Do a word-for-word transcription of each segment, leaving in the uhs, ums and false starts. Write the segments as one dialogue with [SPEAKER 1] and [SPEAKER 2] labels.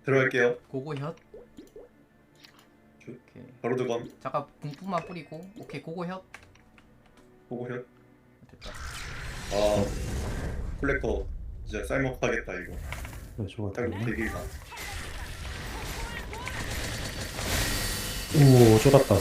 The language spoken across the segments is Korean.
[SPEAKER 1] 들어갈게요.
[SPEAKER 2] 고고 혓.
[SPEAKER 1] 주-
[SPEAKER 2] 오케이.
[SPEAKER 1] 바로 들어감.
[SPEAKER 2] 잠깐 분뿐만 뿌리고. 오케이 고고 혓.
[SPEAKER 1] 보고 혀.
[SPEAKER 2] 됐다.
[SPEAKER 1] 아 플래커 진짜 쌀먹하겠다 이거.
[SPEAKER 3] 네, 좋아.
[SPEAKER 1] 딱 되기가.
[SPEAKER 3] 오, 쫄았다.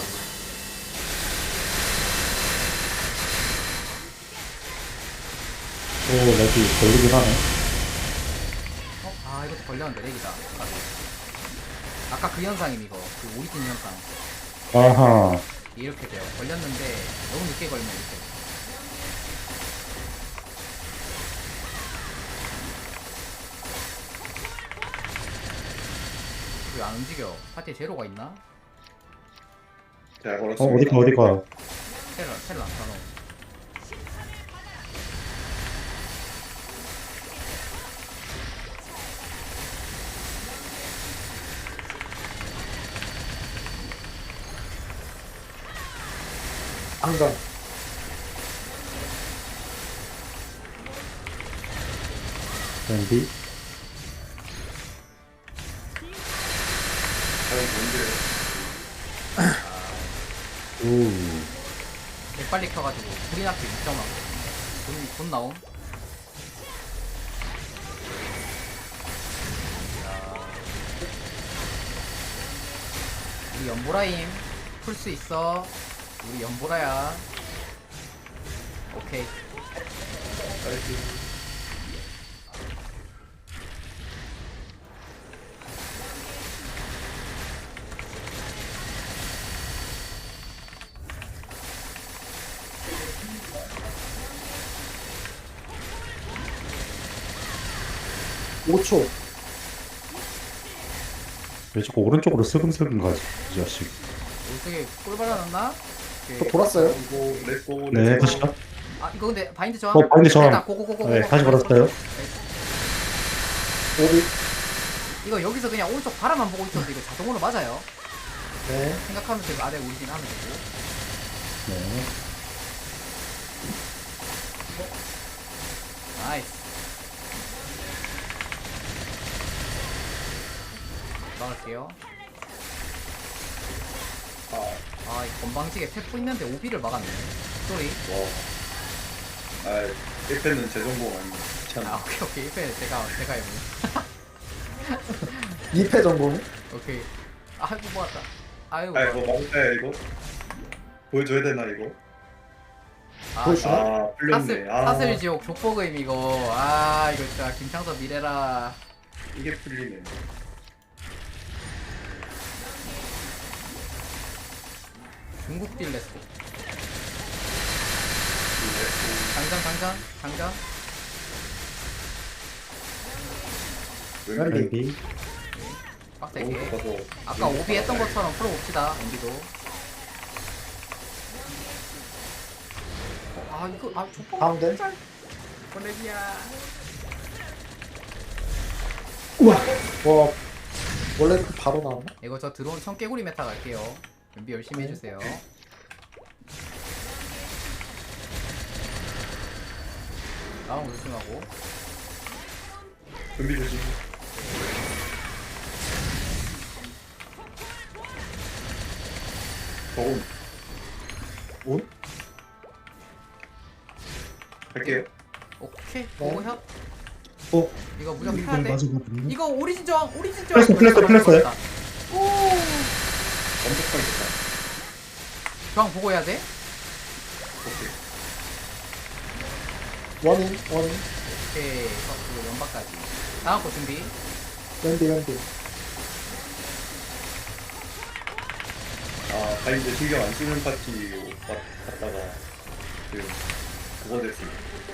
[SPEAKER 3] 오, 렉이 걸리긴 하네.
[SPEAKER 2] 어? 아 이것도 걸렸는데 렉이다. 아까, 아까 그 현상임 이거. 그 오리진 현상.
[SPEAKER 3] 아하.
[SPEAKER 2] 이렇게 돼요. 걸렸는데 너무 늦게 걸리면 이렇게. 왜 안 움직여? 파티에 제로가 있나?
[SPEAKER 1] 잘
[SPEAKER 3] 어,
[SPEAKER 1] 걸었습니다.
[SPEAKER 3] 어디가, 어디가.
[SPEAKER 2] 텔을 텔을 안 타노.
[SPEAKER 4] 안강.
[SPEAKER 3] 랜디.
[SPEAKER 1] 과연 뭔데?
[SPEAKER 3] 오.
[SPEAKER 2] 개 빨리 켜가지고 불이 나게 육 점 돈, 돈 나옴. 야. 우리 연보라임 풀 수 있어. 우리 연보라야. 오케이.
[SPEAKER 1] 나이스.
[SPEAKER 4] 오 초.
[SPEAKER 3] 왜 자꾸 오른쪽으로 슬금슬금 가지, 이 자식.
[SPEAKER 2] 어떻게 꿀 발라놨나?
[SPEAKER 4] 또 돌았어요?
[SPEAKER 1] 이거 렛고
[SPEAKER 3] 네, 다시요.
[SPEAKER 2] 아 이거 근데 바인드 저항.
[SPEAKER 3] 어, 바인드 저항.
[SPEAKER 2] 됐다. 고고고고.
[SPEAKER 3] 네, 다시 걸었어요.
[SPEAKER 4] 오비.
[SPEAKER 2] 이거 여기서 그냥 오른쪽 바라만 보고 있어도 이거 자동으로 맞아요.
[SPEAKER 4] 네.
[SPEAKER 2] 생각하면서 이거 아래 우리진 하면 되고.
[SPEAKER 3] 네.
[SPEAKER 2] 나이스. 막을게요.
[SPEAKER 1] 아,
[SPEAKER 2] 아, 이 건방지게 태프 있는데 오비를 막았네. 쏘리.
[SPEAKER 1] 와. 아, 일 패는 제 전공 아니고 참.
[SPEAKER 2] 아, 오케이, 오케이. 일 패 제가, 제가 해보.
[SPEAKER 4] 이 패 전공.
[SPEAKER 2] 오케이. 아이고, 모았다. 아이고,
[SPEAKER 1] 아, 이거
[SPEAKER 2] 모았다.
[SPEAKER 1] 막을까요 이거? 보여줘야 되나 이거?
[SPEAKER 2] 아,
[SPEAKER 4] 보여주나?
[SPEAKER 1] 아, 풀렸네.
[SPEAKER 2] 사슬,
[SPEAKER 1] 아,
[SPEAKER 2] 사슬 지옥 족보금 이거. 아, 이거 진짜 김창섭 미래라.
[SPEAKER 1] 이게 풀리네.
[SPEAKER 2] 중국 딜레스코.
[SPEAKER 1] 이게
[SPEAKER 2] 장전, 장전, 장전.
[SPEAKER 1] 왼팔
[SPEAKER 3] 랜디.
[SPEAKER 1] 너무
[SPEAKER 2] 빡세게.
[SPEAKER 1] 좋아서
[SPEAKER 2] 아까 오비 했던 것처럼 풀어봅시다, 엔비도. 아, 이거, 아, 족보금.
[SPEAKER 4] 가운데.
[SPEAKER 2] 보내기야.
[SPEAKER 4] 우와. 와. 원래 그 바로 나왔나?
[SPEAKER 2] 이거 저 드론 청개구리 메타 갈게요. 준비 열심히 해주세요. 나온 거 조심하고.
[SPEAKER 1] 준비 조심. 저온
[SPEAKER 4] 온?
[SPEAKER 1] 할게요.
[SPEAKER 2] 오케이.
[SPEAKER 4] 네.
[SPEAKER 2] 보고 혀.
[SPEAKER 3] 어,
[SPEAKER 2] 이거 무조건
[SPEAKER 3] 이건
[SPEAKER 2] 켜야 돼.
[SPEAKER 3] 맞아거든요.
[SPEAKER 2] 이거 오리진 저항, 오리진 저항.
[SPEAKER 3] 플래스, 플래스, 플래스요?
[SPEAKER 2] 오.
[SPEAKER 1] 완벽하게 됐다.
[SPEAKER 2] 저항 보고 해야 돼.
[SPEAKER 1] 오케이.
[SPEAKER 4] 원인. 원인.
[SPEAKER 2] 오케이. 그리고 연박까지. 다음 거 준비.
[SPEAKER 4] 랜디 랜디.
[SPEAKER 1] 아, 바인드 신경 안 쓰는 파티 갔- 갔다가 그 그거 됐습니다.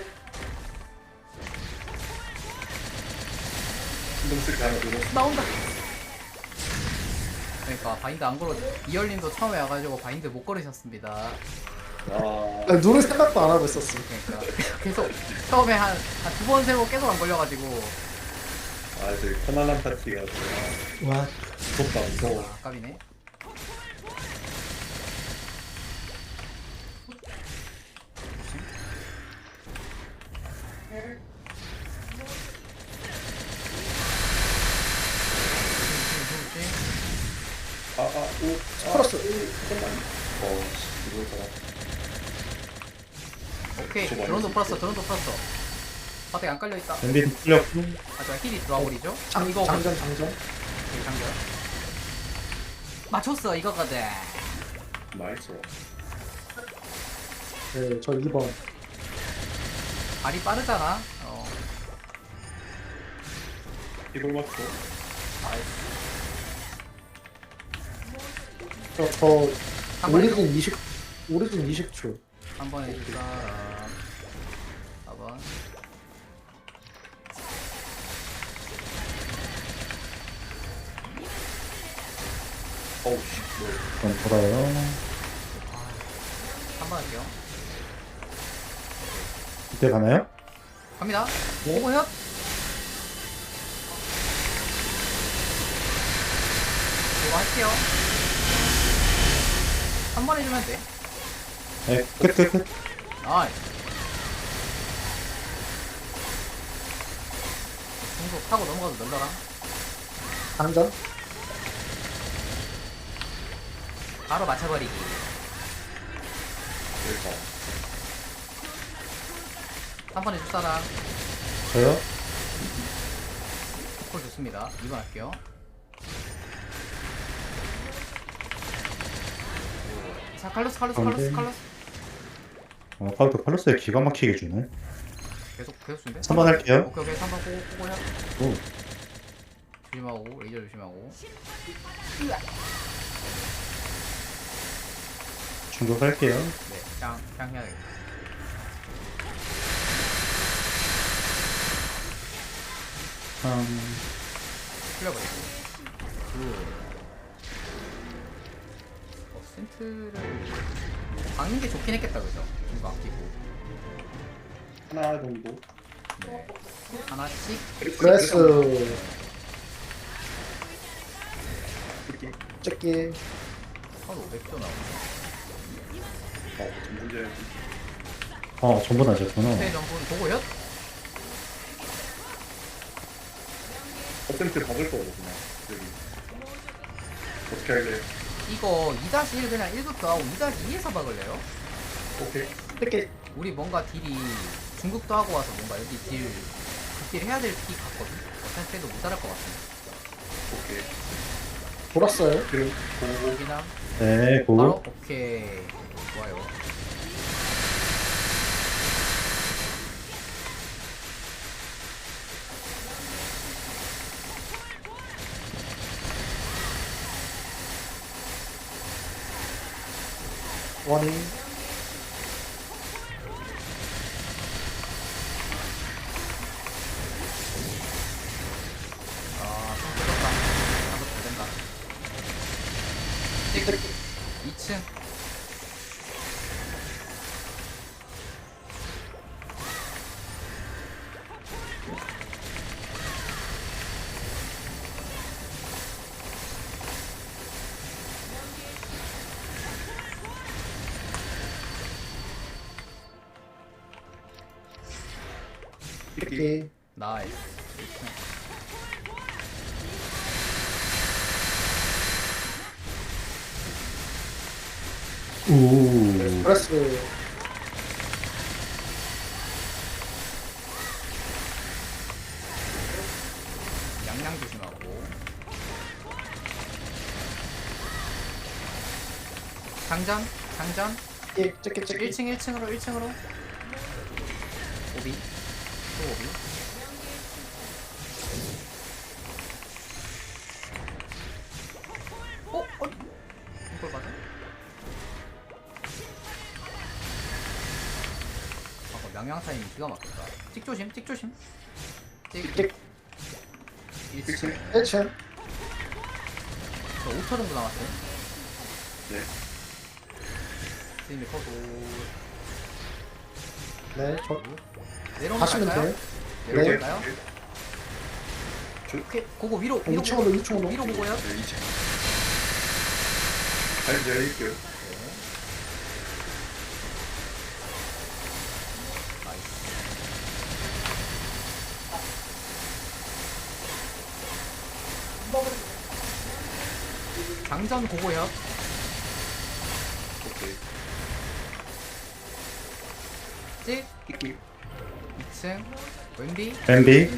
[SPEAKER 1] 신경 쓸게 하나 들어.
[SPEAKER 2] 나온다. 그러니까 바인드 안 걸어. 이열님도 처음에 와가지고 바인드 못 걸으셨습니다.
[SPEAKER 1] 아,
[SPEAKER 4] 아니, 눈을 생각도 안 하고 있었어.
[SPEAKER 2] 그러니까 계속 처음에 한 두 번 세고 계속 안 걸려가지고.
[SPEAKER 1] 아, 이제 편안한 파티가 아,
[SPEAKER 4] 와.
[SPEAKER 1] 무섭다, 무서워.
[SPEAKER 2] 아, 아깝이네.
[SPEAKER 1] 오,
[SPEAKER 4] 플러스.
[SPEAKER 1] 잠깐만. 어, 씨, 이걸 잡아.
[SPEAKER 2] 오케이.
[SPEAKER 1] 저거
[SPEAKER 2] 드론도
[SPEAKER 1] 아니지?
[SPEAKER 2] 풀었어. 드론도 풀었어. 바닥에 안 깔려 있다.
[SPEAKER 3] 엠비 풀렸고.
[SPEAKER 2] 하지만 힐이 들어와 버리죠.
[SPEAKER 4] 장,
[SPEAKER 2] 이거
[SPEAKER 4] 장전, 장전.
[SPEAKER 2] 오케이, 장전. 맞췄어. 이거거든.
[SPEAKER 1] 나이스.
[SPEAKER 4] 네, 저 이 번.
[SPEAKER 2] 발이 빠르잖아. 어.
[SPEAKER 1] 이걸 맞춰.
[SPEAKER 2] 나이스.
[SPEAKER 4] 저, 저,
[SPEAKER 2] 한 번에
[SPEAKER 4] 오리진 이십, 오리진 이십 초.
[SPEAKER 2] 한 번에 해줄 사람. 사 번.
[SPEAKER 1] 어우, 씨, 뭐.
[SPEAKER 3] 그럼 돌아요.
[SPEAKER 2] 한 번 할게요.
[SPEAKER 3] 이때 가나요?
[SPEAKER 2] 갑니다.
[SPEAKER 4] 네.
[SPEAKER 2] 오고 현. 이거 할게요. 한 번 해주면 돼.
[SPEAKER 3] 네, 끝, 끝, 끝.
[SPEAKER 2] 아이. 중속 타고 넘어가도 널더라.
[SPEAKER 4] 장전.
[SPEAKER 2] 바로 맞춰버리기.
[SPEAKER 1] 여기서.
[SPEAKER 2] 한 번 해줄 사람.
[SPEAKER 3] 저요?
[SPEAKER 2] 콜 좋습니다. 이 번 할게요. 자, 칼로스, 칼로스, 칼로스,
[SPEAKER 3] 오케이.
[SPEAKER 2] 칼로스.
[SPEAKER 3] 어, 카운터 팔로스에 기가 막히게 주네.
[SPEAKER 2] 계속, 계속 준대.
[SPEAKER 3] 삼 번 할게요.
[SPEAKER 2] 오케이, 오케이. 삼 번 꼬고, 꼬고 해.
[SPEAKER 3] 오.
[SPEAKER 2] 조심하고, 레이저 조심하고.
[SPEAKER 3] 충격할게요.
[SPEAKER 2] 네, 그냥, 그냥 해야 되겠다.
[SPEAKER 3] 음,
[SPEAKER 2] 풀려버리고. 그. 어, 센트를. 박는 게 좋긴 했겠다, 그죠? 이거 아끼고.
[SPEAKER 1] 하나 정도.
[SPEAKER 2] 네. 하나씩.
[SPEAKER 4] 그레스.
[SPEAKER 1] 이렇게.
[SPEAKER 4] 찍기.
[SPEAKER 2] 한 오백 조 나오네.
[SPEAKER 1] 어, 문제.
[SPEAKER 3] 어, 전부 나셨구나.
[SPEAKER 2] 세 전분 보고 였?
[SPEAKER 1] 퍼센트 박을 거거든, 그냥. 여기. 어떻게 할래?
[SPEAKER 2] 이거 이 다시 일 그냥 일 부터 하고 이 다시 이에서 박을래요?
[SPEAKER 1] 오케이.
[SPEAKER 4] 찍기.
[SPEAKER 2] 우리 뭔가 딜이 중국도 하고 와서 뭔가 여기 딜 극딜 해야 될 피 같거든? 어차피 때도 못 따를 것 같은데.
[SPEAKER 1] 오케이.
[SPEAKER 4] 돌았어요.
[SPEAKER 1] 그럼, 고,
[SPEAKER 2] 여기나
[SPEAKER 3] 네,
[SPEAKER 2] 바로
[SPEAKER 3] 고.
[SPEAKER 2] 오케이. 좋아요.
[SPEAKER 4] 원인.
[SPEAKER 2] 아, 좀 뜯었다. 나도 잘 된다. 찍. 이 층.
[SPEAKER 4] 찍기.
[SPEAKER 2] 나이스. 이 층.
[SPEAKER 3] 우.
[SPEAKER 4] 그레스.
[SPEAKER 2] 양양 조심하고. 장전, 장전.
[SPEAKER 4] 찍기. 찍기. 찍기.
[SPEAKER 2] 일 층, 일 층으로, 일 층으로. 오비. 또 오비. 어? 어? 이걸 맞아? 아까 명량 타임 기가 막혔다. 찍 조심, 찍 조심. 찍.
[SPEAKER 4] 찍.
[SPEAKER 2] 일 층.
[SPEAKER 4] 일 층.
[SPEAKER 2] 저 오 초 정도 남았어요.
[SPEAKER 1] 네.
[SPEAKER 2] 스님이 커도.
[SPEAKER 4] 네, 저.
[SPEAKER 2] 내려오면
[SPEAKER 4] 가시면
[SPEAKER 2] 갈까요?
[SPEAKER 4] 돼요.
[SPEAKER 2] 내려올까요?
[SPEAKER 1] 저,
[SPEAKER 2] 오케이, 고고 위로,
[SPEAKER 4] 어,
[SPEAKER 2] 위로
[SPEAKER 4] 이 층으로,
[SPEAKER 2] 보고,
[SPEAKER 4] 이 층으로.
[SPEAKER 2] 위로 보고요.
[SPEAKER 1] 네, 이제. 잘 내릴게요.
[SPEAKER 2] 나이스. 장전 고고협.
[SPEAKER 1] 오케이.
[SPEAKER 2] 찍.
[SPEAKER 1] 끼끼.
[SPEAKER 2] 이 층. 왼비.
[SPEAKER 3] 엠비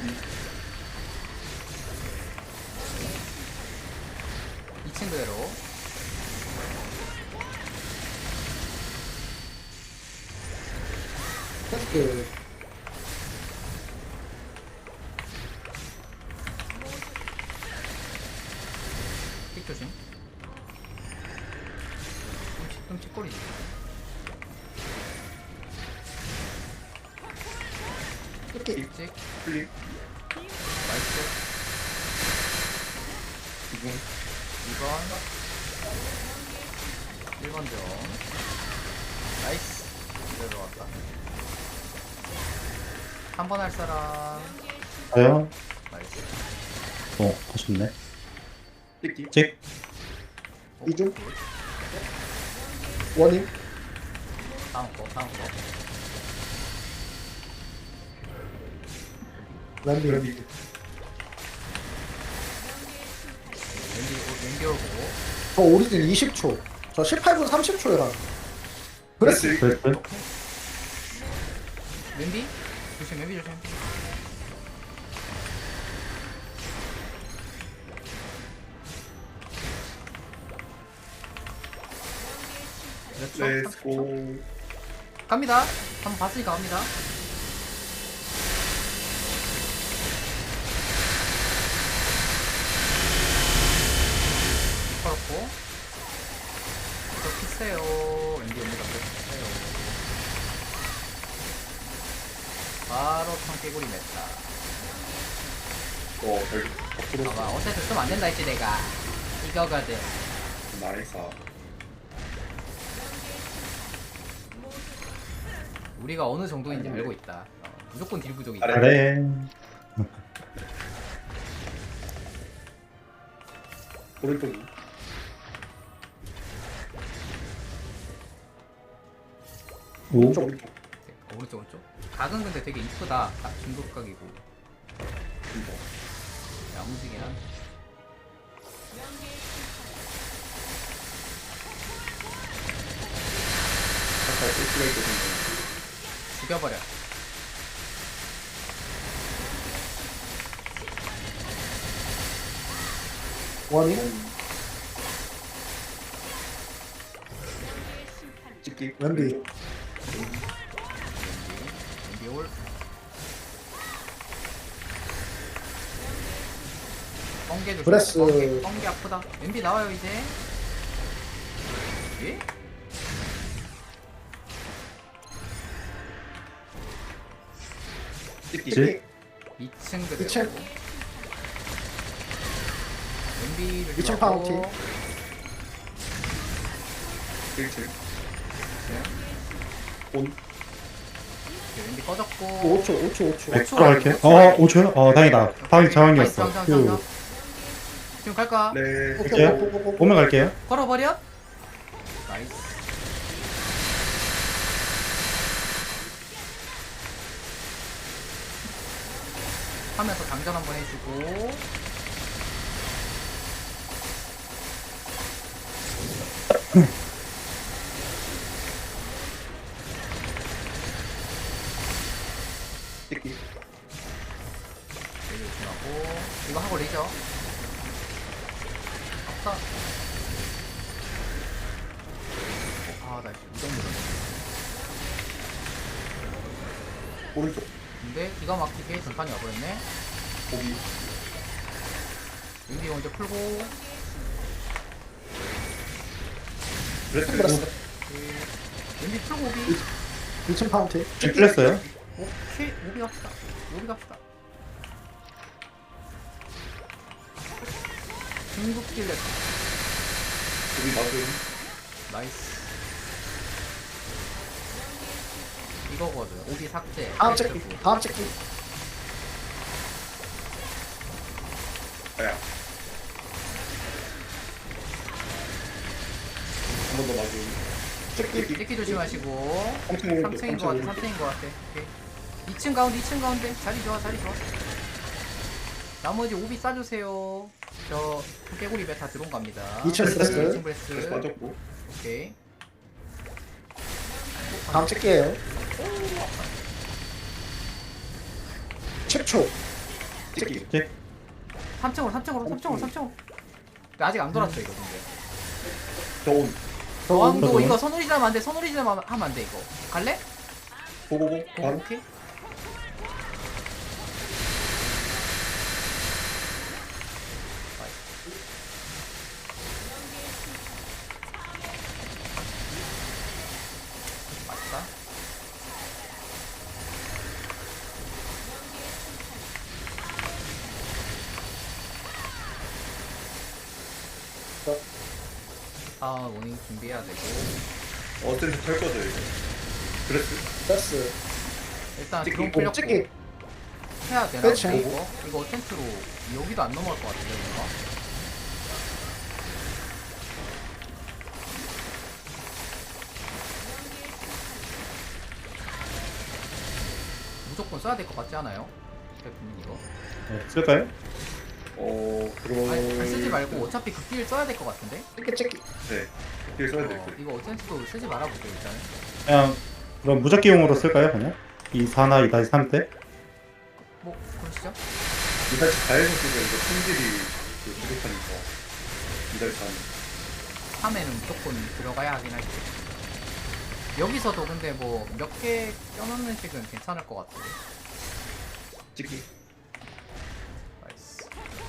[SPEAKER 2] 이 층 그대로.
[SPEAKER 4] 테스트.
[SPEAKER 2] 찍 조심. 끔찍 끔찍거리지.
[SPEAKER 4] 이렇게.
[SPEAKER 2] 찍.
[SPEAKER 1] 플립.
[SPEAKER 2] 나이스.
[SPEAKER 1] 이분.
[SPEAKER 2] 이 번. 일 번 점. 나이스. 이대로 들어왔다. 한 번 할 사람.
[SPEAKER 3] 저요?
[SPEAKER 2] 나이스.
[SPEAKER 3] 어 아쉽네.
[SPEAKER 1] 끼끼.
[SPEAKER 3] 찍
[SPEAKER 2] 오,
[SPEAKER 4] 이중?
[SPEAKER 2] 굿.
[SPEAKER 4] 원임.
[SPEAKER 2] 다음 거, 다음 거.
[SPEAKER 4] 랜디.
[SPEAKER 1] 랜디.
[SPEAKER 2] 왼비, 왼비 오고.
[SPEAKER 4] 저 오리진 이십 초. 저 십팔 분 삼십 초여라. 그랬어.
[SPEAKER 3] 그랬어?
[SPEAKER 2] 왼비? 조심, 왼비 조심. 그렇죠?
[SPEAKER 1] 렛츠고.
[SPEAKER 2] 갑니다. 한번 봤으니까 갑니다. 걸었고. 저 피세요. 왼비 왼비가 피세요. 바로 청개구리 냈다.
[SPEAKER 1] 어, 별로. 앞으로.
[SPEAKER 2] 봐봐, 어쨌든 쓰면 안 된다 했지 내가. 이거거든.
[SPEAKER 1] 나이스.
[SPEAKER 2] 우리가 어느 정도인지 알고 있다. 어, 무조건 딜 부족이다.
[SPEAKER 1] 아래.
[SPEAKER 3] 그래
[SPEAKER 1] 오른쪽이.
[SPEAKER 3] 오
[SPEAKER 1] 오른쪽, 오른쪽.
[SPEAKER 2] 어, 오른쪽 오른쪽. 각은 근데 되게 이쁘다. 딱 중독각이고.
[SPEAKER 1] 진짜.
[SPEAKER 2] 야무지긴 한데.
[SPEAKER 1] 살짝 일수가 있거든요.
[SPEAKER 2] 죽여버려.
[SPEAKER 4] 원임.
[SPEAKER 1] 찍기.
[SPEAKER 4] 랜디.
[SPEAKER 2] 왼비 올. 뻥개 조심.
[SPEAKER 4] 브레스.
[SPEAKER 2] 뻥개, 뻥개 아프다. 왼비 나와요 이제. 예?
[SPEAKER 1] 찍기.
[SPEAKER 3] 찍기.
[SPEAKER 2] 이 층 그대로.
[SPEAKER 4] 이 층.
[SPEAKER 2] 왼비를
[SPEAKER 4] 이 층
[SPEAKER 2] 들어가고.
[SPEAKER 4] 파운틴.
[SPEAKER 1] 일 층.
[SPEAKER 2] 네.
[SPEAKER 1] 온.
[SPEAKER 2] 오케이, 왼비 꺼졌고.
[SPEAKER 4] 오 초, 오 초, 오 초.
[SPEAKER 3] 네, 들어갈게. 어 오 초요? 어 다행이다. 다행히 저항이었어.
[SPEAKER 2] 나이스, 나이스, 나이스,
[SPEAKER 3] 휴.
[SPEAKER 2] 나이스. 지금 갈까?
[SPEAKER 1] 네.
[SPEAKER 4] 오케이,
[SPEAKER 3] 이제
[SPEAKER 4] 고, 고, 고, 고.
[SPEAKER 3] 오면 갈게요.
[SPEAKER 2] 걸어버려? 나이스. 하면서 당전 한번 해주고.
[SPEAKER 1] 찍기.
[SPEAKER 2] 레이저 조심하고. 이거 하고 레이저. 아까. 아, 나 무정 무정.
[SPEAKER 1] 오른쪽.
[SPEAKER 2] 근데 기가 막히게 전판이 와버렸네.
[SPEAKER 1] 고기.
[SPEAKER 2] 윈디 먼저 풀고.
[SPEAKER 1] 브레스.
[SPEAKER 4] 브레스.
[SPEAKER 2] 윈디 풀고 오비.
[SPEAKER 4] 이 층 파운틴.
[SPEAKER 3] 지금 풀렸어요?
[SPEAKER 2] 오케이, 오비 갑시다. 오비 갑시다. 중국 딜렛.
[SPEAKER 1] 고기 맞음.
[SPEAKER 2] 나이스. 이거거든. 오비 삭제.
[SPEAKER 4] 다음
[SPEAKER 2] 헬스
[SPEAKER 4] 찍기.
[SPEAKER 2] 굿.
[SPEAKER 4] 다음 찍기.
[SPEAKER 1] 야. 한 번 더 맞음.
[SPEAKER 4] 찍기.
[SPEAKER 2] 찍기 조심하시고.
[SPEAKER 1] 삼 층 오른쪽.
[SPEAKER 2] 삼 층인 것 같아. 삼 층인 것 같아. 오케이. 이 층 가운데, 이 층 가운데. 자리 좋아, 자리 좋아. 나머지 오비 싸주세요. 저 깨구리 베타 들어온 겁니다.
[SPEAKER 4] 이층
[SPEAKER 1] 브레스.
[SPEAKER 2] 이층
[SPEAKER 1] 그래서
[SPEAKER 2] 브레스.
[SPEAKER 1] 빠졌고.
[SPEAKER 2] 오케이.
[SPEAKER 4] 다음 찍게요. 십 초.
[SPEAKER 1] 찍기.
[SPEAKER 3] 찍.
[SPEAKER 2] 삼 층으로 삼 층으로 삼 층으로 삼 층으로. 아직 안 돌았어 이거 근데.
[SPEAKER 1] 저온.
[SPEAKER 2] 저항도
[SPEAKER 3] 저도.
[SPEAKER 2] 이거 선우리지 하면 안 돼. 선우리지 하면 안 돼 이거. 갈래?
[SPEAKER 1] 고고고.
[SPEAKER 2] 오,
[SPEAKER 1] 바로.
[SPEAKER 2] 오케이. 맞다. 아 모닝 준비해야 되고
[SPEAKER 1] 어쨌든 털 거죠 이거. 브레스.
[SPEAKER 4] 됐어.
[SPEAKER 2] 일단
[SPEAKER 1] 찍기.
[SPEAKER 2] 드론
[SPEAKER 4] 오,
[SPEAKER 2] 풀렸고
[SPEAKER 4] 찍기.
[SPEAKER 2] 해야 되나?
[SPEAKER 4] 그렇지.
[SPEAKER 2] 근데 이거 이거 텐트로 여기도 안 넘어갈 것 같은데 뭔가? 무조건 써야 될 것 같지 않아요? 대표님 이거?
[SPEAKER 3] 네, 쓸까요?
[SPEAKER 1] 어 그럼.
[SPEAKER 2] 아니 쓰지 말고 어차피 극딜 써야 될 것 같은데?
[SPEAKER 4] 찍기 찍기.
[SPEAKER 1] 네. 길 써야
[SPEAKER 2] 어,
[SPEAKER 1] 될 듯.
[SPEAKER 2] 이거 어센트도 쓰지 말아보죠 일단은.
[SPEAKER 3] 그냥 그럼 무적기용으로 쓸까요 그냥? 이 사나 이 삼 때?
[SPEAKER 2] 뭐 그러시죠?
[SPEAKER 1] 이달 가해서 쓰면 이거 품질이 그 부족하니까. 이달 간.
[SPEAKER 2] 삼에는 무조건 들어가야 하긴 할지. 여기서도 근데 뭐 몇 개 껴넣는 식은 괜찮을 것 같은데.
[SPEAKER 1] 찍기.
[SPEAKER 2] 나이스.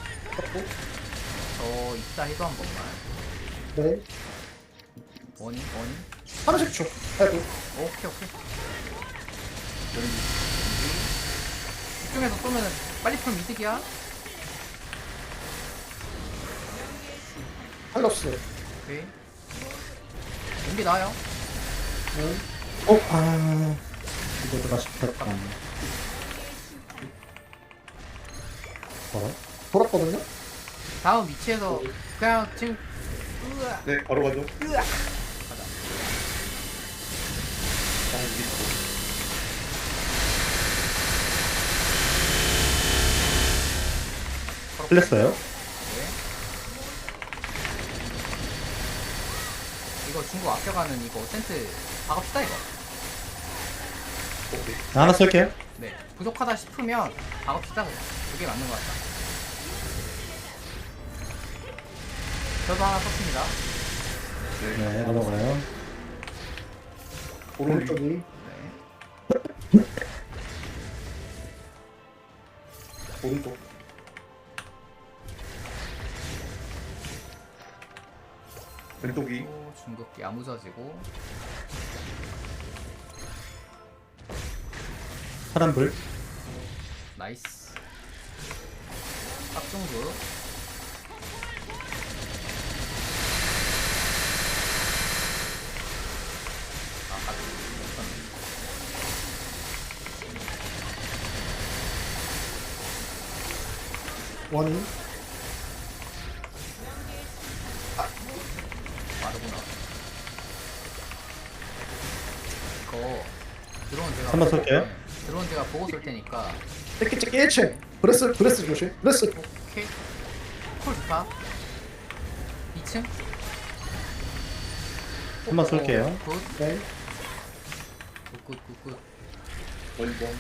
[SPEAKER 2] 저 이따 해도 한 번만.
[SPEAKER 4] 네.
[SPEAKER 2] 원인 원인.
[SPEAKER 4] 삼십 초. 해도.
[SPEAKER 2] 오케이 오케이.
[SPEAKER 1] 연기.
[SPEAKER 2] 이쪽에서 쏘면은 빨리 풀면 이득이야.
[SPEAKER 4] 팔로스.
[SPEAKER 2] 오케이. 연기 나와요.
[SPEAKER 4] 네.
[SPEAKER 3] 어? 아... 이거가 싶었다. 뭐라?
[SPEAKER 4] 돌았거든요.
[SPEAKER 2] 다음 위치에서 그냥 지금 으아
[SPEAKER 1] 네 바로 가죠.
[SPEAKER 2] 으아 가자.
[SPEAKER 1] 아 여기 있고.
[SPEAKER 3] 틀렸어요?
[SPEAKER 2] 네. 이거 중국 아껴가는 이거 센트 박읍시다 이거.
[SPEAKER 1] 오케이.
[SPEAKER 3] 하나 쓸게요.
[SPEAKER 2] 네. 부족하다 싶으면 박읍시다 그냥. 그게 맞는 것 같다. 저도 하나 썼습니다.
[SPEAKER 1] 네.
[SPEAKER 3] 네, 넘어가요.
[SPEAKER 1] 오른쪽.
[SPEAKER 4] 오른쪽이.
[SPEAKER 2] 네.
[SPEAKER 1] 오른쪽. 왼쪽이.
[SPEAKER 2] 또 중국기 야무져지고
[SPEAKER 3] 파란불.
[SPEAKER 2] 나이스. 깍중국. 아, 가지.
[SPEAKER 4] 원인.
[SPEAKER 2] 빠르구나. 이거 드론 제가
[SPEAKER 3] 한번
[SPEAKER 2] 보고-
[SPEAKER 3] 쏠게요.
[SPEAKER 2] 네, 드론 제가 보고 쏠 테니까.
[SPEAKER 4] 찍기 찍기 일 층. 브레스 브레스 조심. 브레스.
[SPEAKER 2] 오케이. 콜 좋다. 이 층.
[SPEAKER 3] 한번 쏠게요.
[SPEAKER 2] 굿.
[SPEAKER 4] 네.
[SPEAKER 2] 굿, 굿, 굿.
[SPEAKER 1] 원점.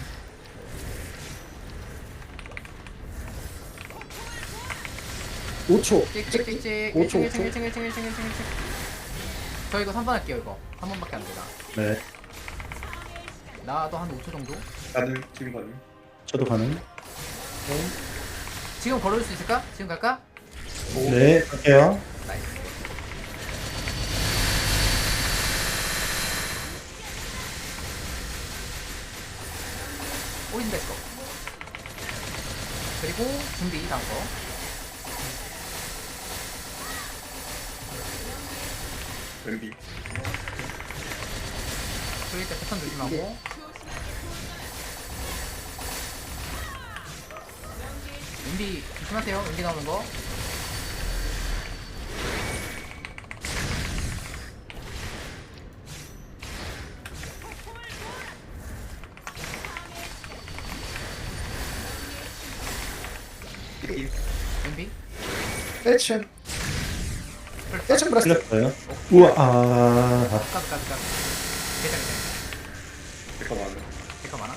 [SPEAKER 4] 오 초.
[SPEAKER 2] 찍찍찍찍.
[SPEAKER 4] 오 초,
[SPEAKER 2] 일
[SPEAKER 4] 오
[SPEAKER 2] 층,
[SPEAKER 4] 초.
[SPEAKER 2] 일 층, 일 층, 일 층, 일 층, 일 층. 저 이거 삼 번 할게요, 이거. 한 번밖에 안 되나.
[SPEAKER 3] 네,
[SPEAKER 2] 나도 한 오 초 정도?
[SPEAKER 1] 가능. 지금 가능.
[SPEAKER 3] 저도 가능.
[SPEAKER 4] 네.
[SPEAKER 2] 지금 걸어줄 수 있을까? 지금 갈까?
[SPEAKER 3] 네, 갈게요.
[SPEAKER 2] 나이스. 오린 됐어. 그리고 준비 다음 거.
[SPEAKER 1] 왼비.
[SPEAKER 2] 그릴 때 패턴 조심하고. 은비 조심하세요. 은비 나오는 거.
[SPEAKER 4] 일 층 일 층 브레스
[SPEAKER 3] 틀렸어요. 우와, 아,
[SPEAKER 2] 까비 까비 까비. 괜찮아 괜찮아.
[SPEAKER 1] 잠깐만.
[SPEAKER 2] 데카 많아?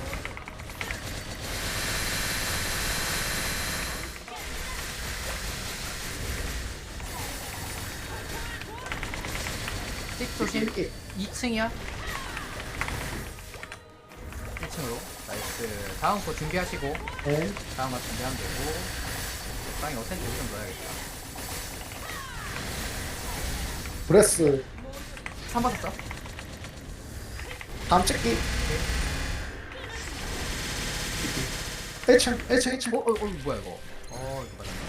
[SPEAKER 2] 찍 조심.
[SPEAKER 4] 찍기
[SPEAKER 2] 이 층이야? 일 층으로. 나이스. 다음 거 준비하시고.
[SPEAKER 4] 네
[SPEAKER 2] 다음 거 준비하면 되고. 빵이 어센트 좀 넣어야겠다.
[SPEAKER 4] 브레스
[SPEAKER 2] 삼 받았어?
[SPEAKER 4] 다음 찍기 일 층 일 층 일 층
[SPEAKER 2] 어, 어, 어, 뭐야 이거? 어, 이거 맞았네.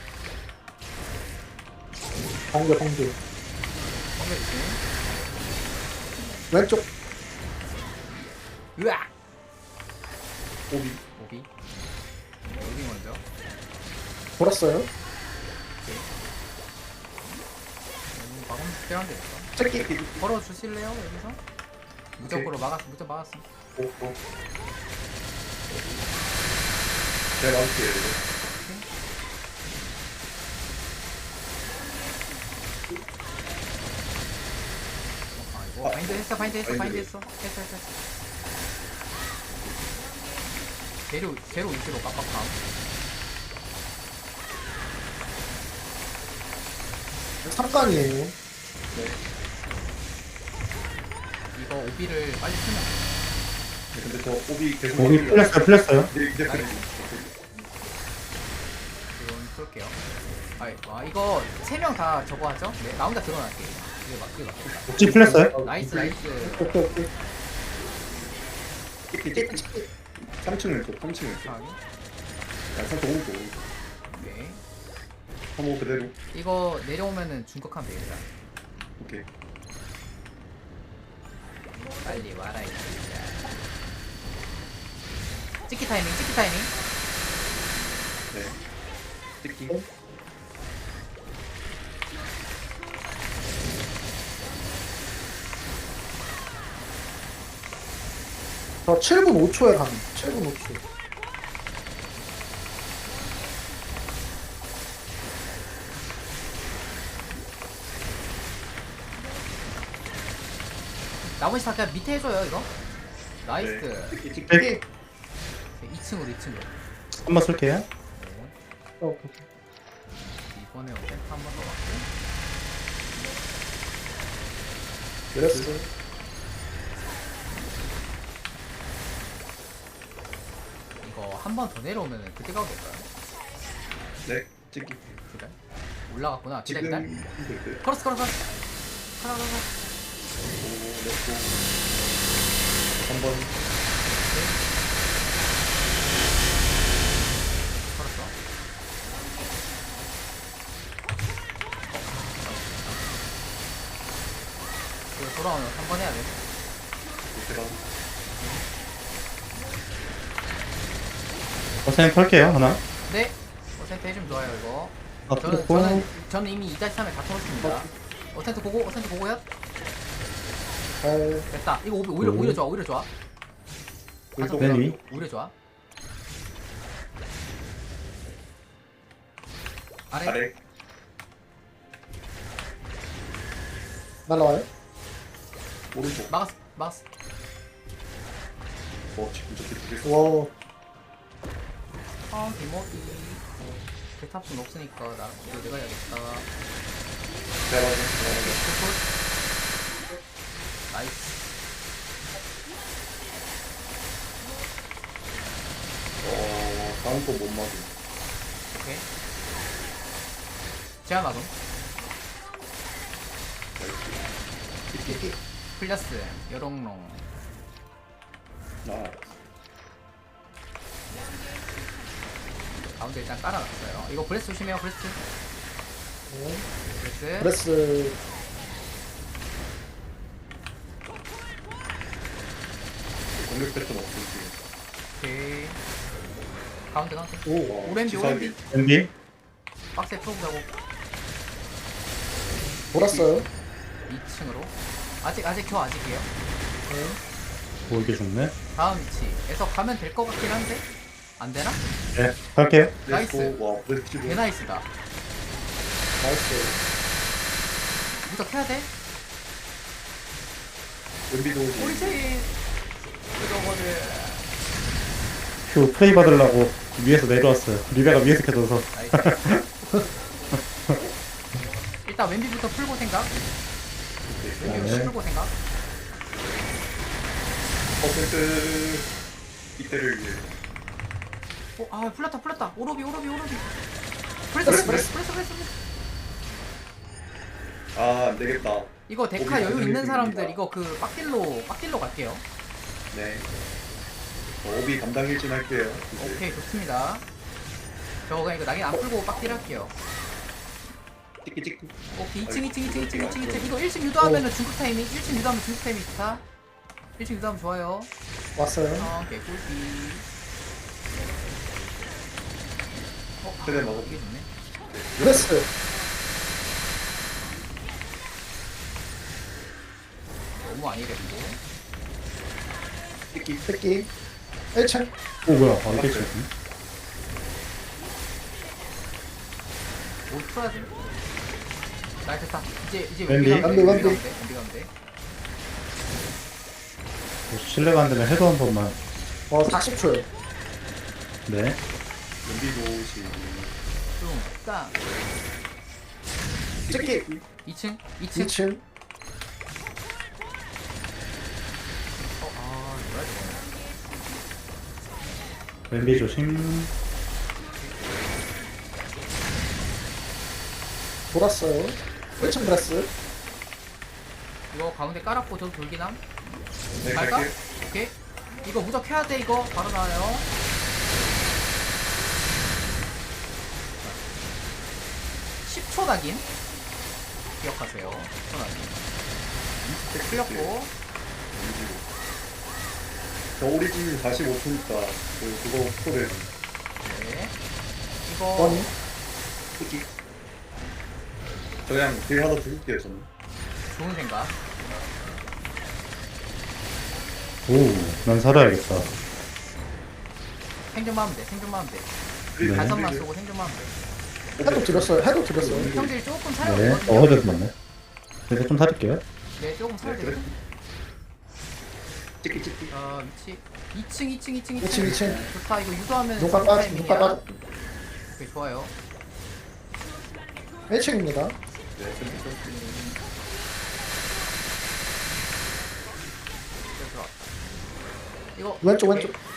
[SPEAKER 4] 번개 번개
[SPEAKER 2] 번개 조심.
[SPEAKER 4] 왼쪽
[SPEAKER 2] 으악!
[SPEAKER 1] 오비.
[SPEAKER 2] 오비. 오비 먼저.
[SPEAKER 4] 돌았어요
[SPEAKER 2] 음, 막으면 특별한데 있어.
[SPEAKER 4] 찍기
[SPEAKER 2] 걸어 주실래요 여기서? 무적으로 막았어, 무적 막았어.
[SPEAKER 1] 오, 오. 내가 막을게요, 이거.
[SPEAKER 2] 아, 이거 바인드 했어, 바인드 했어, 바인드
[SPEAKER 1] 바인드.
[SPEAKER 2] 했어, 했어, 했어. 했어. 제로, 제로 위치로 깜빡함.
[SPEAKER 4] 삼 강이에요
[SPEAKER 1] 네.
[SPEAKER 2] 이거 오비를 빨리 쓰면
[SPEAKER 1] 네, 근데 저 오비 계속.
[SPEAKER 3] 오비
[SPEAKER 1] 막으려고.
[SPEAKER 3] 풀렸어요, 풀렸어요.
[SPEAKER 1] 네, 이제 풀리
[SPEAKER 2] 이건 쏠게요. 아, 아 이거 세 명 다 저거 하죠? 네, 나 혼자 들어갈게. 이거 막, 이거 막.
[SPEAKER 3] 옥지 풀렸어요.
[SPEAKER 2] 나이스, 나이스.
[SPEAKER 4] 오케이 오케이
[SPEAKER 1] 찍기,
[SPEAKER 4] 찍기
[SPEAKER 1] 찍기.
[SPEAKER 4] 찍기
[SPEAKER 1] 삼 층 왼쪽, 삼 층 왼쪽.
[SPEAKER 2] 이상하게.
[SPEAKER 1] 야, 삼 층 오른쪽.
[SPEAKER 2] 오케이.
[SPEAKER 1] 삼 호 그대로.
[SPEAKER 2] 이거 내려오면은 중격하면 되겠다.
[SPEAKER 1] 오케이.
[SPEAKER 2] 빨리 와라, 이 새끼야. 찍기 타이밍, 찍기 타이밍.
[SPEAKER 1] 네. 찍기.
[SPEAKER 4] 저 칠 분 오 초에 가는 칠 분 오 초
[SPEAKER 2] 나머지 다 그냥 밑에 해줘요, 이거. 나이스.
[SPEAKER 1] 네. 찍기, 찍기.
[SPEAKER 3] 네.
[SPEAKER 2] 이 층으로, 이 층으로.
[SPEAKER 3] 한번 쓸게요.
[SPEAKER 2] 네.
[SPEAKER 4] 어, 오케이
[SPEAKER 2] 이번에 어택 한번 더 맞고.
[SPEAKER 4] 브레스
[SPEAKER 2] 이거 한 번 더 내려오면은 그때 가도 될까요?
[SPEAKER 1] 네. 찍기.
[SPEAKER 2] 기다려. 올라갔구나. 기다려,
[SPEAKER 1] 지금
[SPEAKER 2] 기다려.
[SPEAKER 1] 힘들 듯.
[SPEAKER 2] 크로스, 크로스. 하나, 하나, 하나.
[SPEAKER 1] 오, 렛고. 한 번.
[SPEAKER 2] 걸었어. 이거 돌아오면 한 번 해야 돼.
[SPEAKER 1] 제가.
[SPEAKER 3] 어사인 털게요, 하나.
[SPEAKER 2] 네. 어센트 해주면 좋아요, 이거.
[SPEAKER 3] 아,
[SPEAKER 2] 저는,
[SPEAKER 3] 풀렸고.
[SPEAKER 2] 저는, 저는 이미 이 삼에 다 털었습니다. 어센트 고고, 어센트 고고요?
[SPEAKER 4] 잘
[SPEAKER 2] 됐다. 이거 오히려, 오히려,
[SPEAKER 3] 음.
[SPEAKER 2] 오히려 좋아, 오히려 좋아.
[SPEAKER 1] 왼쪽.
[SPEAKER 3] 맨 위.
[SPEAKER 2] 오히려 좋아. 아래.
[SPEAKER 1] 아래.
[SPEAKER 4] 날라와요
[SPEAKER 1] 오른쪽.
[SPEAKER 2] 막았어, 막았어.
[SPEAKER 1] 어, 지금 저기 두 개.
[SPEAKER 4] 와
[SPEAKER 2] 아, 개먹기. 대탑순 없으니까 나 이거 내가 해야겠다.
[SPEAKER 1] 제가 맞아. 제가 맞아.
[SPEAKER 2] 굿. 나이스.
[SPEAKER 1] 어, 다음 거 못 맞음.
[SPEAKER 2] 오케이. 제한 와도
[SPEAKER 1] 나이스.
[SPEAKER 4] 찍기
[SPEAKER 2] 플러스 여롱롱.
[SPEAKER 1] 나.
[SPEAKER 2] 가운데 일단 깔아놨어요. 이거 브레스 조심해요, 브레스.
[SPEAKER 4] 네.
[SPEAKER 2] 브레스.
[SPEAKER 4] 브레스
[SPEAKER 1] 공격 패턴 없을지.
[SPEAKER 2] 오케이. 가운데 가운데.
[SPEAKER 4] 오
[SPEAKER 2] 오렌지
[SPEAKER 1] 지상에.
[SPEAKER 2] 오렌지.
[SPEAKER 3] 엠비.
[SPEAKER 2] 박스에 풀어보자고.
[SPEAKER 4] 돌았어요
[SPEAKER 2] 이 층으로. 아직 아직 저 아직이에요.
[SPEAKER 4] 네.
[SPEAKER 3] 오, 이게 좋네.
[SPEAKER 2] 다음 위치에서 가면 될 것 같긴 한데 안 되나?
[SPEAKER 3] 네, 갈게요.
[SPEAKER 2] 나이스.
[SPEAKER 1] 렛츠고. 와, 브레스
[SPEAKER 2] 개 나이스다.
[SPEAKER 4] 나이스.
[SPEAKER 2] 무적 해야 돼?
[SPEAKER 1] 은비도 오지.
[SPEAKER 2] 우리 체인 이거거든.
[SPEAKER 3] 휴 프레이 받으려고 위에서 내려왔어요. 리베가 위에서 켜져서.
[SPEAKER 2] 나이스. 일단 왼비부터 풀고 생각. 왼비부터
[SPEAKER 3] 네.
[SPEAKER 2] 풀고 생각.
[SPEAKER 1] 퍼센트 이때를 위해.
[SPEAKER 2] 어, 아 풀렸다 풀렸다. 오로비 오로비 오로비. 풀렸어 풀렸어 풀렸어 풀렸어 풀렸어.
[SPEAKER 1] 아, 안 되겠다.
[SPEAKER 2] 이거 데카
[SPEAKER 1] 오비
[SPEAKER 2] 여유 있는
[SPEAKER 1] 감당해줍니다.
[SPEAKER 2] 사람들 이거 그 빡딜로 빡딜로 갈게요.
[SPEAKER 1] 네. 어, 오비 감당 일진 할게요. 이제.
[SPEAKER 2] 오케이 좋습니다. 저 그냥 이거 낙인 안 풀고 빡딜 할게요.
[SPEAKER 1] 찍기 찍기.
[SPEAKER 2] 오케이 이층 이층 이층 이층 이층 이층 이거 일 층 유도하면은 중국 타이밍 일 층 유도하면 중국 타이밍 좋다. 일 층 유도하면 좋아요.
[SPEAKER 4] 왔어요.
[SPEAKER 2] 어 개꿀비. 어? 아,
[SPEAKER 1] 최대 먹어.
[SPEAKER 2] 이게 좋네.
[SPEAKER 4] 브레스.
[SPEAKER 2] 너무 아니랬고.
[SPEAKER 1] 찍기.
[SPEAKER 4] 새끼. 일 층.
[SPEAKER 3] 오 뭐야? 아 이게 있었네.
[SPEAKER 2] 못 풀어야지. 나 됐다. 이제 이제
[SPEAKER 3] 왼비.
[SPEAKER 2] 왼비 가면 돼.
[SPEAKER 4] 왼비,
[SPEAKER 2] 왼비
[SPEAKER 4] 왼비.
[SPEAKER 2] 가면 돼. 왼비 가면 돼.
[SPEAKER 3] 뭐 실례가 안 되면 해도 한 번만.
[SPEAKER 4] 어 사십 초요.
[SPEAKER 3] 네.
[SPEAKER 1] 은비도 오지.
[SPEAKER 2] 좀 딱.
[SPEAKER 4] 새끼.
[SPEAKER 2] 이 층 이 층.
[SPEAKER 4] 이 층.
[SPEAKER 2] 어, 아 뭐야 저거.
[SPEAKER 3] 왼비 조심.
[SPEAKER 4] 돌았어요. 일 층 브레스.
[SPEAKER 2] 이거 가운데 깔았고 저도 돌기남.
[SPEAKER 1] 네,
[SPEAKER 2] 갈까?
[SPEAKER 1] 갈게요.
[SPEAKER 2] 오케이. 이거 무적 해야 돼 이거 바로 나와요. 십 초 낙인 기억하세요. 십 초 낙인. 네, 풀렸고.
[SPEAKER 1] 저 오리진 사십오 초니까 그 그거 스토리
[SPEAKER 2] 네. 이거
[SPEAKER 4] 원이.
[SPEAKER 1] 찍기. 저 그냥 딜 하나 죽일게요 저는.
[SPEAKER 2] 좋은 생각.
[SPEAKER 3] 오, 난 살아야겠다.
[SPEAKER 2] 생존만 하면 돼. 생존만 하면 돼.
[SPEAKER 3] 네.
[SPEAKER 2] 가선만 쏘고 생존만 하면 돼.
[SPEAKER 4] 해도 드렸어요. 해도 드렸어요.
[SPEAKER 2] 형들이 조금 살아야
[SPEAKER 3] 네.
[SPEAKER 2] 되거든요.
[SPEAKER 3] 어, 허드 맞네. 그래서 좀 살릴게요.
[SPEAKER 2] 네, 조금 살아야
[SPEAKER 1] 네, 그래.
[SPEAKER 2] 되거든.
[SPEAKER 1] 찍기 찍기.
[SPEAKER 2] 어, 위치. 이 층, 이 층, 이 층, 이
[SPEAKER 4] 이 층,
[SPEAKER 2] 층.
[SPEAKER 4] 이 층.
[SPEAKER 2] 좋다. 이거 유도하면
[SPEAKER 4] 눈가
[SPEAKER 2] 좋은
[SPEAKER 4] 빠져.
[SPEAKER 2] 타이밍이야.
[SPEAKER 4] 눈가 빠져.
[SPEAKER 2] 오케이, 좋아요.
[SPEAKER 4] 일 층입니다.
[SPEAKER 1] 네, 센터 센터.
[SPEAKER 2] 이거 들어와. 이거
[SPEAKER 4] 왼쪽
[SPEAKER 2] 오케이.
[SPEAKER 4] 왼쪽.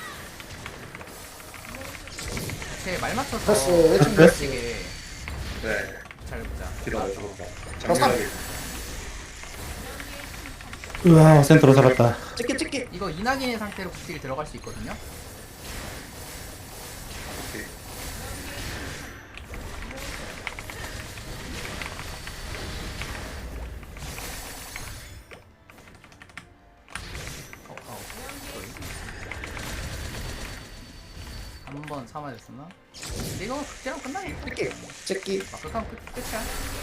[SPEAKER 2] 제 말 맞춰서
[SPEAKER 4] 됐어. 일 층
[SPEAKER 3] 됐어.
[SPEAKER 4] 브레스.
[SPEAKER 2] 이게
[SPEAKER 1] 네.
[SPEAKER 2] 잘 보자.
[SPEAKER 1] 기다려 죽었다.
[SPEAKER 4] 저 삼.
[SPEAKER 1] 장면하게.
[SPEAKER 3] 으아, 센터로 살았다.
[SPEAKER 4] 찍기 찍기.
[SPEAKER 2] 이거 이낙인의 상태로 국딜 들어갈 수 있거든요.
[SPEAKER 1] 오케이.
[SPEAKER 2] 어, 어, 한번 참아줬었나? 근데 이거 극제랑 끝나겠다.
[SPEAKER 4] 찍기. 찍기.
[SPEAKER 2] 아, 그럼 끝, 끝이야.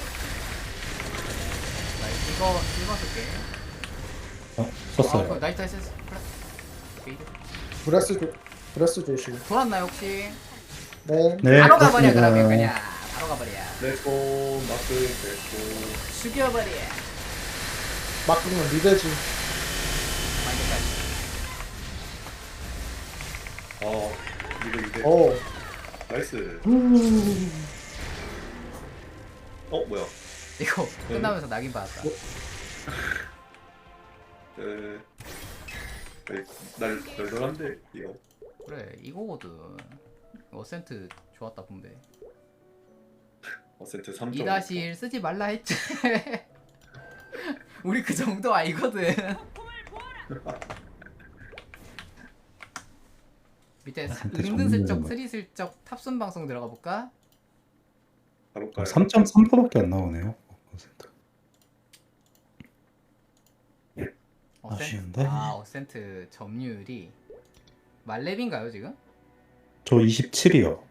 [SPEAKER 2] 나 이거 이거 쓸게.
[SPEAKER 3] 어,
[SPEAKER 2] 아,
[SPEAKER 3] 썼어요.
[SPEAKER 2] 그 나이트 나이스 플랫. 오케이.
[SPEAKER 4] 브레스 조 브레스 조심.
[SPEAKER 2] 돌았나요 혹시?
[SPEAKER 4] 네.
[SPEAKER 3] 네,
[SPEAKER 2] 바로 가버려
[SPEAKER 3] 그렇습니다.
[SPEAKER 2] 그러면 그냥 바로 가버려.
[SPEAKER 1] 렛츠고 마크 렛츠고.
[SPEAKER 2] 죽여버려.
[SPEAKER 4] 막 그러면 리베지.
[SPEAKER 2] 마인드까지.
[SPEAKER 1] 어 이거 이제
[SPEAKER 4] 오.
[SPEAKER 1] 나이스. 어 뭐야?
[SPEAKER 2] 이거 끝나면서 낙인 받았다.
[SPEAKER 1] 그 날, 널널한데 이거.
[SPEAKER 2] 그래 이거거든. 어센트 좋았다 분배.
[SPEAKER 1] 어센트 삼 점.
[SPEAKER 2] 이 다시 일 쓰지 말라 했지. 우리 그 정도 아니거든. 밑에
[SPEAKER 3] 어센트
[SPEAKER 2] 은근슬쩍
[SPEAKER 3] 정리는
[SPEAKER 2] 스리슬쩍 탑순 방송 들어가 볼까?
[SPEAKER 1] 가볼까요?
[SPEAKER 3] 삼 점 삼 퍼센트밖에 안 나오네요. 센터.
[SPEAKER 2] 어센트.
[SPEAKER 3] 아쉬운데?
[SPEAKER 2] 아 어센트 점유율이 말렙인가요 지금?
[SPEAKER 3] 저 이십칠이요.